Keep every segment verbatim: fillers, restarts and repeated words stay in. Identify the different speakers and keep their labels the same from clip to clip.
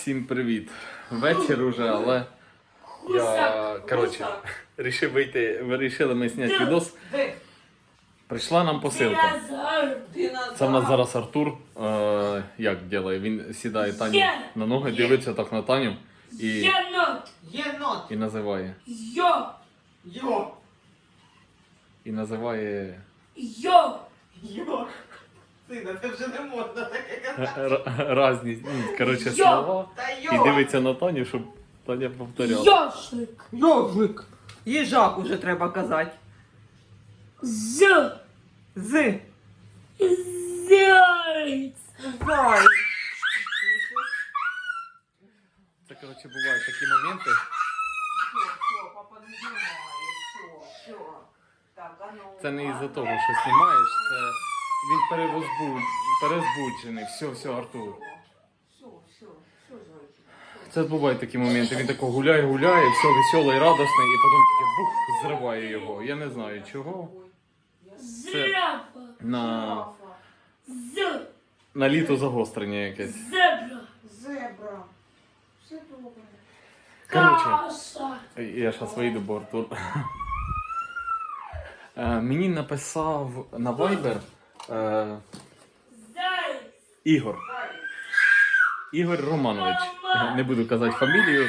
Speaker 1: Всім привіт! Вечір уже, але я, коротше, вирішив вийти, вирішили ми зняти відос. Прийшла нам посилка. Це в нас зараз Артур, е, як робить, він сідає Таню на ноги, дивиться так на Таню і,
Speaker 2: Єнот!
Speaker 1: і називає.
Speaker 3: Йо!
Speaker 2: Йо!
Speaker 1: І називає...
Speaker 3: Йо!
Speaker 2: Йо! Сина, це вже не можна таке казати.
Speaker 1: р- Разні, ну, коротше,
Speaker 3: Йо!
Speaker 1: слова.
Speaker 2: Та
Speaker 1: І
Speaker 2: йо!
Speaker 1: дивиться на Таню, щоб Таня повторяла.
Speaker 3: Йошик!
Speaker 2: Йожик! Їжак уже треба казати.
Speaker 3: З!
Speaker 2: З.
Speaker 3: Зайць!
Speaker 2: Зай.
Speaker 1: Це, коротше, бувають такі моменти.
Speaker 2: Що, що, папа не знімає, що, що. Так, а ну.
Speaker 1: Це не із-за того, що знімаєш, це він перевозбуд... перезбуджений. Все, все, Артур.
Speaker 2: Що, що, що, зайчик?
Speaker 1: Це бувають такі моменти. Він тако гуляє, гуляє, все веселий, радісний, і потім таке бух, зриває його. Я не знаю чого.
Speaker 3: Зрапа!
Speaker 1: На,
Speaker 3: З!
Speaker 1: на літо загострення якесь.
Speaker 3: Зебра!
Speaker 2: Зебра. Все добре.
Speaker 1: Коротше,
Speaker 3: Каша!
Speaker 1: я зараз вийду, бо Артур. Е, Мені написав на Viber е,
Speaker 3: Зайць!
Speaker 1: Ігор. Ігор Романович. Не буду казати фамілію.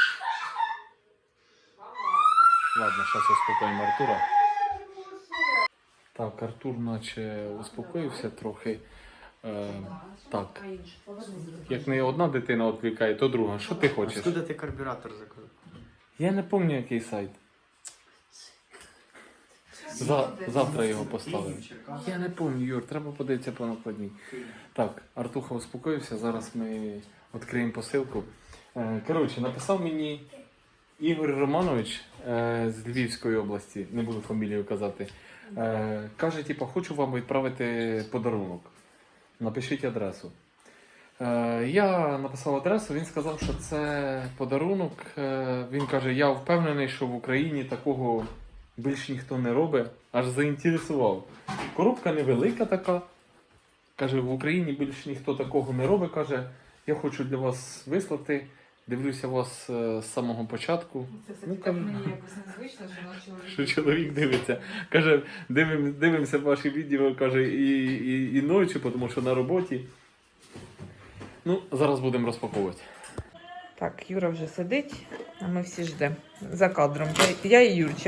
Speaker 1: Ладно, зараз успокоїмо Артура. Так, Артур наче успокоївся трохи. Е, так, як не одна дитина відвікає, то друга. Що ти хочеш?
Speaker 4: Откуда ти карбюратор заказав?
Speaker 1: Я не пам'ятаю, який сайт. За, завтра його поставимо. Я не пам'ятаю, Юр, треба подивитися по накладній. Так, Артуха успокоївся, зараз ми відкриємо посилку. Е, Коротше, написав мені Ігор Романович е, з Львівської області, не буду фамілію казати. Е, каже, типу, хочу вам відправити подарунок. Напишіть адресу. Е, я написав адресу, він сказав, що це подарунок. Е, він каже, я впевнений, що в Україні такого більш ніхто не робить. Аж заінтересував. Коробка невелика така. Каже, в Україні більш ніхто такого не робить. Каже, я хочу для вас вислати. Дивлюся вас е, з самого початку.
Speaker 2: Це все
Speaker 1: Ну,
Speaker 2: так
Speaker 1: каже,
Speaker 2: мені якось незвично, що на чоловік.
Speaker 1: що чоловік дивиться. Каже, дивим, дивимося ваші відео, каже, і, і, і ночі, тому що на роботі. Ну, зараз будемо розпаковувати.
Speaker 5: Так, Юра вже сидить, а ми всі ждемо. За кадром. Я, я і Юрчик.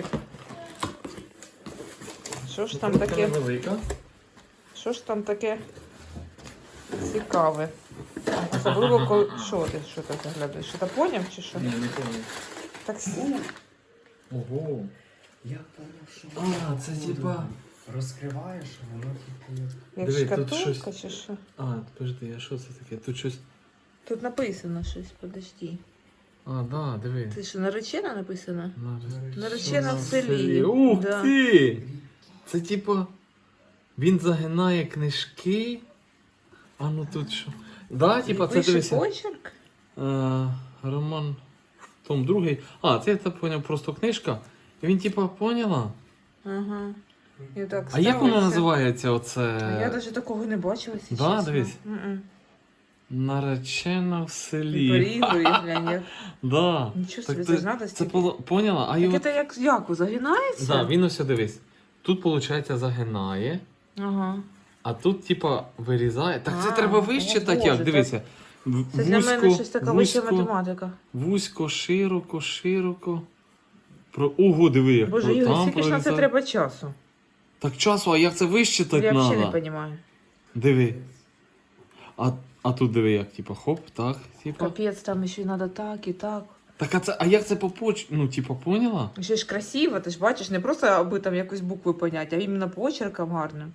Speaker 5: Що ж там таке?
Speaker 1: Велика.
Speaker 5: Що ж там таке цікаве? Особливо, коли... Що ти, що ти заглядаєш? Що ти поняв чи що?
Speaker 1: Ні, не пам'ятаю.
Speaker 5: Так,
Speaker 1: Ого.
Speaker 4: Я поняв, що
Speaker 1: А, це типа...
Speaker 4: розкриваєш, а воно типу як...
Speaker 5: як
Speaker 1: Диви, тут
Speaker 5: шкатулка
Speaker 1: щось-
Speaker 5: чи що?
Speaker 1: А, подожди, а що це таке? Тут щось...
Speaker 5: Тут написано щось, подожди.
Speaker 1: А, да, диви.
Speaker 5: Це що, наречена написано?
Speaker 1: Нар-
Speaker 5: Наречена в
Speaker 1: в
Speaker 5: селі.
Speaker 1: Ух
Speaker 5: Да.
Speaker 1: ти! Це типа... Він загинає книжки. А ну тут що? Да, типа, це
Speaker 5: Вищий
Speaker 1: дивися.
Speaker 5: почерк?
Speaker 1: Е, Роман Том другий. А, це я так поняв, просто книжка. І він типа поняла?
Speaker 5: Ага. І так
Speaker 1: А як воно
Speaker 5: ставиться.
Speaker 1: називається оце?
Speaker 5: А я навіть такого не бачила, якщо
Speaker 1: Да,
Speaker 5: чесно.
Speaker 1: дивись.
Speaker 5: М-м.
Speaker 1: Наречена в
Speaker 5: І
Speaker 1: селі.
Speaker 5: порізу, і глянь, як.
Speaker 1: Да.
Speaker 5: Нічого
Speaker 1: Так
Speaker 5: собі,
Speaker 1: ти-
Speaker 5: це ж надо
Speaker 1: Це
Speaker 5: стільки.
Speaker 1: поло- поняла? А
Speaker 5: Так
Speaker 1: його...
Speaker 5: це як яку, загинається?
Speaker 1: Да, він ось дивись. Тут, виходить, загинає,
Speaker 5: Ага.
Speaker 1: а тут, типа, вирізає. Так це
Speaker 5: А,
Speaker 1: треба вище
Speaker 5: о,
Speaker 1: так
Speaker 5: Боже,
Speaker 1: як, дивися. В-
Speaker 5: Це для мене щось така вища
Speaker 1: вузько,
Speaker 5: математика.
Speaker 1: вузько, широко, широко. Про... Ого, диви, як
Speaker 5: Боже,
Speaker 1: про
Speaker 5: Ігор,
Speaker 1: там
Speaker 5: скільки ж на це
Speaker 1: прорізає.
Speaker 5: треба часу?
Speaker 1: Так часу, а як це вищитати
Speaker 5: Я взагалі
Speaker 1: треба?
Speaker 5: не розумію.
Speaker 1: Диви. А, а тут диви, як, типа, хоп, так, типа.
Speaker 5: Капець, там ще й треба так і так.
Speaker 1: Так, а це, а як це по поч... Ну, типа, поняла?
Speaker 5: Ще ж красиво, ти ж бачиш, не просто аби там якусь букву поняти, а іменно почерком гарним.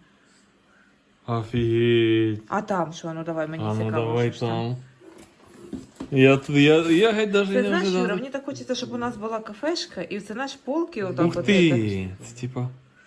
Speaker 1: Офігеть.
Speaker 5: А там що? Ну давай, мені
Speaker 1: А ну
Speaker 5: цікаво.
Speaker 1: давай
Speaker 5: що ж там.
Speaker 1: там. Я, тут- я, я геть даже
Speaker 5: Ти
Speaker 1: не
Speaker 5: знаєш, Юра,
Speaker 1: ожидав.
Speaker 5: мені так хочеться, щоб у нас була кафешка, і це наш полки отак
Speaker 1: Ух
Speaker 5: от.
Speaker 1: ти! Це типа.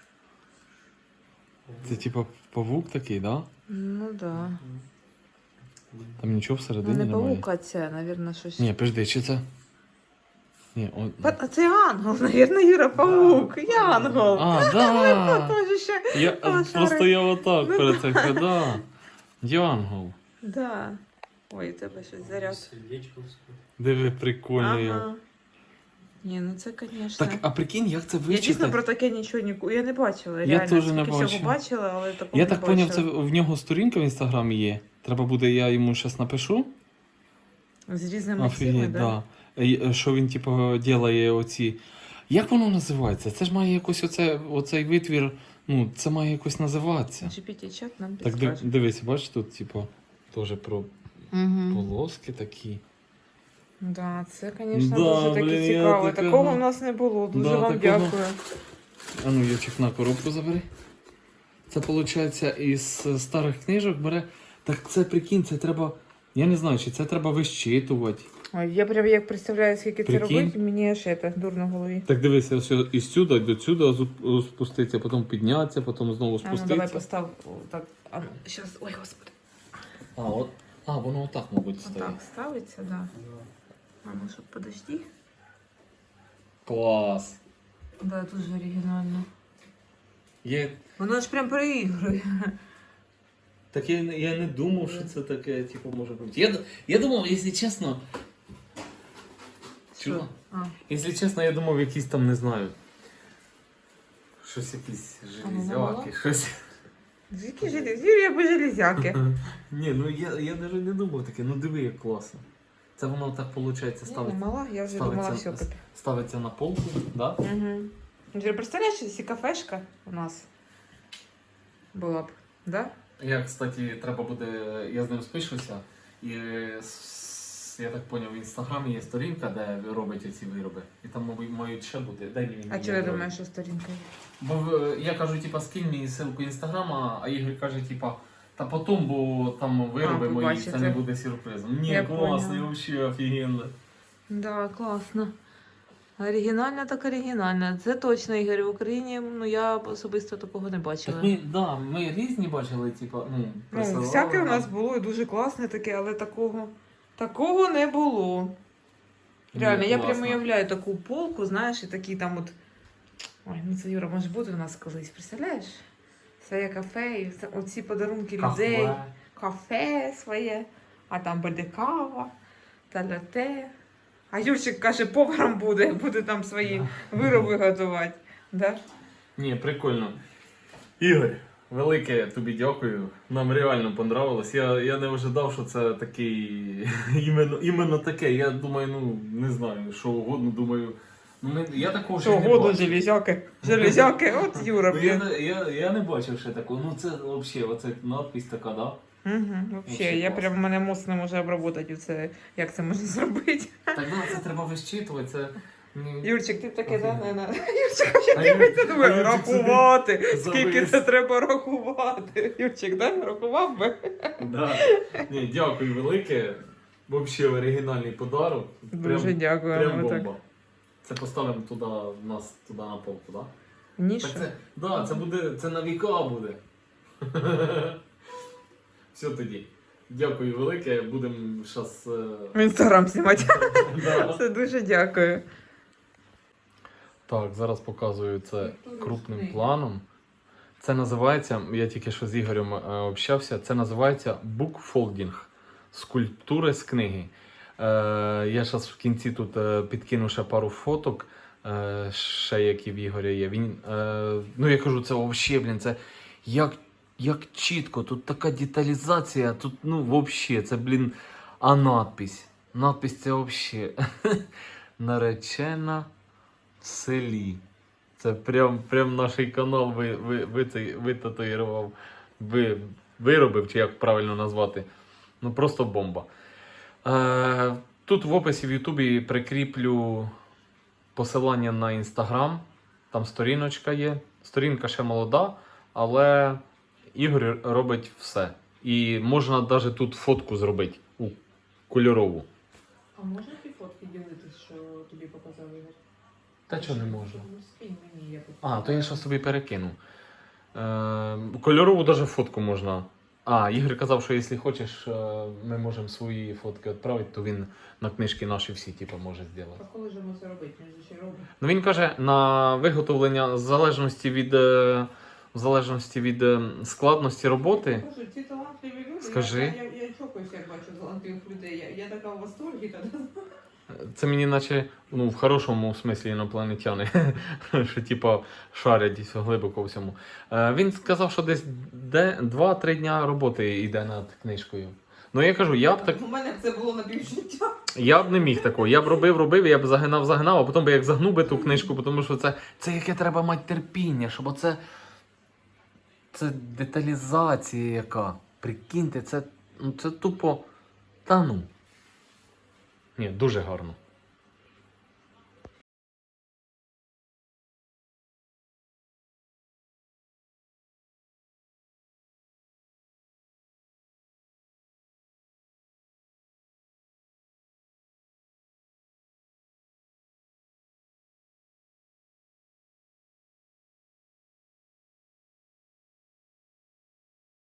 Speaker 1: Це типа павук такий, да?
Speaker 5: Ну да.
Speaker 1: Там нічого
Speaker 5: Ну
Speaker 1: всередині
Speaker 5: не
Speaker 1: немає.
Speaker 5: паук, а це, мабуть, щось.
Speaker 1: Ні, подожди, чи це? Ні, о...
Speaker 5: А це ангел, навірно, Юра, паук, янгол.
Speaker 1: А, да!
Speaker 5: Тоже ще.
Speaker 1: Я,
Speaker 5: А,
Speaker 1: просто
Speaker 5: шарик.
Speaker 1: я отак
Speaker 5: Ну,
Speaker 1: перед цим, да. Діангол.
Speaker 5: Да. Ой, у тебе щось заряд.
Speaker 4: Сердечко вскоре.
Speaker 1: Диви, прикольно. я.
Speaker 5: Ага. Ні, ну це, звісно.
Speaker 1: Так, а прикинь, як це
Speaker 5: Я дійсно
Speaker 1: вичитати?
Speaker 5: про таке нічого ніколи. Я не бачила.
Speaker 1: Я
Speaker 5: Реально,
Speaker 1: теж не
Speaker 5: скільки
Speaker 1: бачив.
Speaker 5: всього бачила, але такого
Speaker 1: Я
Speaker 5: не
Speaker 1: так
Speaker 5: бачила.
Speaker 1: поняв, це в нього сторінка в інстаграмі є. Треба буде, я йому зараз напишу.
Speaker 5: З різними цими,
Speaker 1: Офігеть,
Speaker 5: да?
Speaker 1: да. Е, Що він, типу, ділає оці. Як воно називається? Це ж має якось оце, оцей витвір, ну, це має якось називатися.
Speaker 5: джі пі ті-чат нам
Speaker 1: Так див,
Speaker 5: підскаже.
Speaker 1: дивись, бачиш, тут, типу, теж про
Speaker 5: Угу.
Speaker 1: полоски такі.
Speaker 5: Да, це, звісно,
Speaker 1: Да,
Speaker 5: дуже таки
Speaker 1: блін, я
Speaker 5: цікаво.
Speaker 1: такого-
Speaker 5: Такого в нас не було. Дуже
Speaker 1: Да,
Speaker 5: вам
Speaker 1: такого-
Speaker 5: дякую.
Speaker 1: А ну, Ючик, на коробку забери. Це, виходить, із старих книжок бере. Так це, прикинь, це треба, я не знаю, чи це треба вищитувати.
Speaker 5: Ой, я прям як представляю, скільки це
Speaker 1: Прикинь.
Speaker 5: робить, мені аж це дурно в голові.
Speaker 1: Так дивися, ось із сюди до сюди зу- спуститься, потім піднятися, потім знову
Speaker 5: А ну
Speaker 1: спуститься.
Speaker 5: давай постав. О, так. А ну, щас. Ой, господи.
Speaker 1: А, от. А, воно отак, мабуть, стоїть.
Speaker 5: Отак ставиться, да. А ну щоб подожди.
Speaker 1: Клас.
Speaker 5: Да, дуже оригінально.
Speaker 1: Я,
Speaker 5: Воно ж прям переігрує.
Speaker 1: так я, не- я не думав, що це таке, типу, може бути. Я, я думав, якщо чесно. Чула?
Speaker 5: Що? А,
Speaker 1: Якщо чесно, я думав, якісь там, не знаю. Щось якісь
Speaker 5: А вона
Speaker 1: железяки,
Speaker 5: мала?
Speaker 1: щось.
Speaker 5: які железяки? Юрія по железяки.
Speaker 1: Ні, ну я, я навіть не думав таке, ну диви, як класно. Це воно так виходить
Speaker 5: Я не
Speaker 1: ставиться,
Speaker 5: мала, я вже думала, все.
Speaker 1: ставиться, ставиться на полку, да?
Speaker 5: Угу. Ти представляєш, якщо кафешка у нас була б, да?
Speaker 1: Я, кстати, треба буде, я з ним спишуся, і с- я так зрозумів, в інстаграмі є сторінка, де робить ці вироби. І там мабуть, мають ще бути. Дай мені.
Speaker 5: А
Speaker 1: мені
Speaker 5: чого я
Speaker 1: вироби.
Speaker 5: думаю, що сторінка є?
Speaker 1: Бо е, я кажу, типа, скинь мені ссылку інстаграма, а Ігор каже, типа, та потім, бо там вироби
Speaker 5: А,
Speaker 1: мої,
Speaker 5: побачите.
Speaker 1: це не буде сюрпризом. Ні,
Speaker 5: Я
Speaker 1: класно,
Speaker 5: поняла.
Speaker 1: взагалі офігенно.
Speaker 5: Да, класно. Оригінально так оригінально. Це точно, Ігор, в Україні, ну я особисто такого не бачила.
Speaker 1: Так ми, да, ми різні бачили, типа, ну,
Speaker 5: Ну,
Speaker 1: присилали
Speaker 5: всяке у
Speaker 1: нам.
Speaker 5: нас було і дуже класне таке, але такого, такого не було.
Speaker 1: Ні,
Speaker 5: Реально, я прямо
Speaker 1: класно.
Speaker 5: уявляю таку полку, знаєш, і такі там от. Ой, ну це Юра, може бути у нас колись, представляєш? Своє кафе, і це- оці подарунки людей,
Speaker 1: Кафе.
Speaker 5: кафе своє, а там буде кава, та ляте. А Юрчик каже, поваром буде, буде там свої вироби готувати. Да?
Speaker 1: Ні, прикольно. Ігор, велике тобі дякую. Нам реально понравилось. Я, я не ожидав, що це такий іменно, іменно таке. Я думаю, ну не знаю, що угодно, думаю. Ну, ми, я такого ще
Speaker 5: Що
Speaker 1: не
Speaker 5: году
Speaker 1: бачив.
Speaker 5: железяки, железяки, от Юра.
Speaker 1: Ну,
Speaker 5: блін.
Speaker 1: я, я, я не бачив ще такого. Ну це взагалі, оце надпись така, да?
Speaker 5: Угу, вообще,
Speaker 1: Вообще
Speaker 5: я
Speaker 1: класно.
Speaker 5: прям мене мозк не може обработати це, як це можна зробити.
Speaker 1: Так, да, це треба вищитувати. Це... ні.
Speaker 5: Юрчик, ти таке, да?
Speaker 1: Офігенно.
Speaker 5: не, не. Юрчик ще
Speaker 1: А
Speaker 5: дивиться,
Speaker 1: Юр-
Speaker 5: думає,
Speaker 1: а Юрчик собі
Speaker 5: рахувати. Скільки
Speaker 1: завис.
Speaker 5: це треба рахувати? Юрчик, да? Рахував би?
Speaker 1: Да. Ні, дякую велике. Взагалі оригінальний подарок.
Speaker 5: Дуже дякую.
Speaker 1: Прям
Speaker 5: ми так.
Speaker 1: бомба. Це поставимо туди, в нас туди на полку, так?
Speaker 5: Ніша.
Speaker 1: Так це, да, це буде, це на віка буде. Все тоді. Дякую велике, будемо зараз.
Speaker 5: В інстаграм знімати.
Speaker 1: Да.
Speaker 5: Це дуже дякую.
Speaker 1: Так, зараз показую це
Speaker 5: Дуже
Speaker 1: крупним
Speaker 5: смішний.
Speaker 1: планом. Це називається, я тільки що з Ігорем е, общався, це називається букфолдінг. Скульптури з книги. Е, я зараз в кінці тут е, підкину ще пару фоток, е, ще які в Ігоря є. Він, е, ну я кажу, це взагалі, блін, це як, як чітко, тут така деталізація, тут, ну, взагалі, це, блін, а надпись. Надпись це взагалі наречена в селі. Це прям, прям наш канал ви, ви, ви, цей, витатуїрував, ви, виробив, чи як правильно назвати. Ну просто бомба. Е, тут в описі в Ютубі прикріплю посилання на Інстаграм. Там сторіночка є. Сторінка ще молода, але Ігор робить все. І можна навіть тут фотку зробити у кольорову.
Speaker 5: А можна ті фотки ділитися, що тобі показав Ігор?
Speaker 1: Та чого не можу?
Speaker 5: Ну, скинь мені, я тут.
Speaker 1: А, то я ще собі перекину. Е, кольорову навіть фотку можна. А, Ігор казав, що якщо хочеш, е, ми можемо свої фотки відправити, то він на книжки наші всі типу, може зробити.
Speaker 5: А коли ж ми це робити? Ми ж ще робимо.
Speaker 1: Ну він каже, на виготовлення в залежності від, е, в залежності від е, складності роботи.
Speaker 5: Боже, ці талантливі люди.
Speaker 1: Скажи.
Speaker 5: Я, я, я, я чого як бачу золотих людей. Я, я така в восторгі тоді.
Speaker 1: Це мені наче, ну, в хорошому смислі інопланетяни, що типа шарять десь глибоко всьому. Е, він сказав, що десь де, два-три дня роботи йде над книжкою. Ну я кажу, я б так.
Speaker 5: У мене б це було на півжиття.
Speaker 1: Я б не міг такого. Я б робив, робив, я б загинав, загинав, а потім би як загнув би ту книжку, тому що це, це яке треба мати терпіння, щоб оце. Це деталізація яка. Прикиньте, це, ну, це тупо. Та ну. Ні, дуже гарно.